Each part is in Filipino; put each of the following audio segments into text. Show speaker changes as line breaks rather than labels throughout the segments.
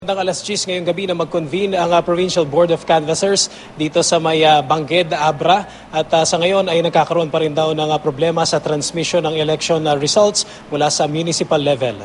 Hanggang alas 10 ngayong gabi na mag-convene ang Provincial Board of Canvassers dito sa may Bangged, Abra. At sa ngayon ay nagkakaroon pa rin daw ng problema sa transmission ng election results mula sa municipal level.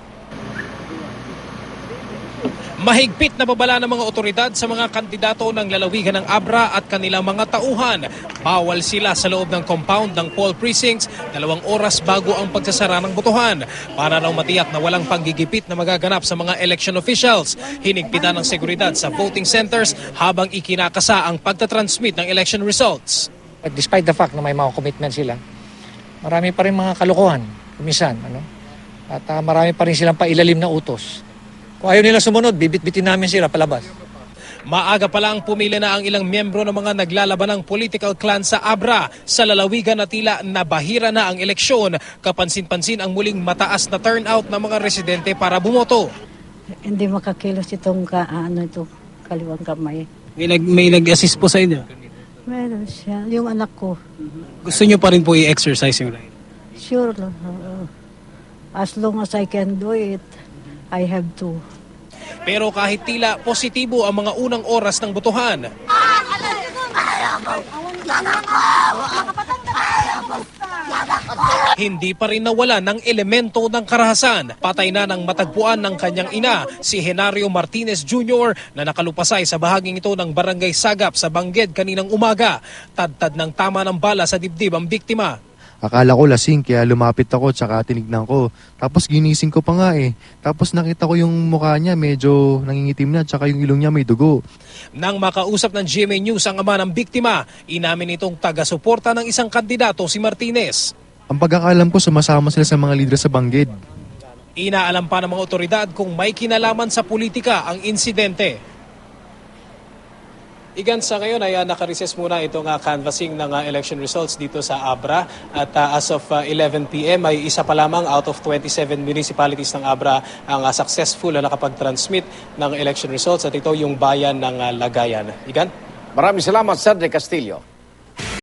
Mahigpit na babala ng mga otoridad sa mga kandidato ng lalawigan ng Abra at kanilang mga tauhan. Bawal sila sa loob ng compound ng poll precincts 2 oras bago ang pagsasara ng botohan para raw matiyak na walang panggigipit na magaganap sa mga election officials. Hinigpitan ng seguridad sa voting centers habang ikinakasa ang pagtatransmit ng election results.
Despite the fact na may mga commitment sila, marami pa rin mga kalokohan, kumisan. At marami pa rin silang pailalim na utos. Kung ayaw nila sumunod, bibit-bitin namin sila palabas.
Maaga pa lang pumili na ang ilang miyembro ng mga naglalaban ng political clan sa Abra. Sa lalawigan na tila nabahira na ang eleksyon, kapansin-pansin ang muling mataas na turnout ng mga residente para bumoto.
Hindi makakilos itong kaliwang kamay.
May nag-assist po sa inyo?
Meron siya. Yung anak ko.
Gusto nyo pa rin po i-exercise yung right?
Sure. As long as I can do it, I have to.
Pero kahit tila positibo ang mga unang oras ng botohan, hindi pa rin nawala ng elemento ng karahasan. Patay na ng matagpuan ng kanyang ina, si Henario Martinez Jr. na nakalupasay sa bahaging ito ng Barangay Sagap sa Bangged kaninang umaga. Tad-tad ng tama ng bala sa dibdib ang biktima.
Akala ko lasing kaya lumapit ako tsaka tinignan ko. Tapos ginising ko pa nga eh. Tapos nakita ko yung mukha niya medyo nangingitim na tsaka yung ilong niya may dugo.
Nang makausap ng GMA News ang ama ng biktima, inamin itong taga-suporta ng isang kandidato si Martinez.
Ang pagkakalam ko sumasama sila sa mga lider sa Bangged.
Inaalam pa ng mga otoridad kung may kinalaman sa politika ang insidente. Igan, sa ngayon ay nakarecess muna itong canvassing ng election results dito sa Abra. At as of 11 p.m. ay isa pa lamang out of 27 municipalities ng Abra ang successful na nakapag-transmit ng election results. At ito yung bayan ng Lagayan. Igan?
Maraming salamat, Sir De Castillo.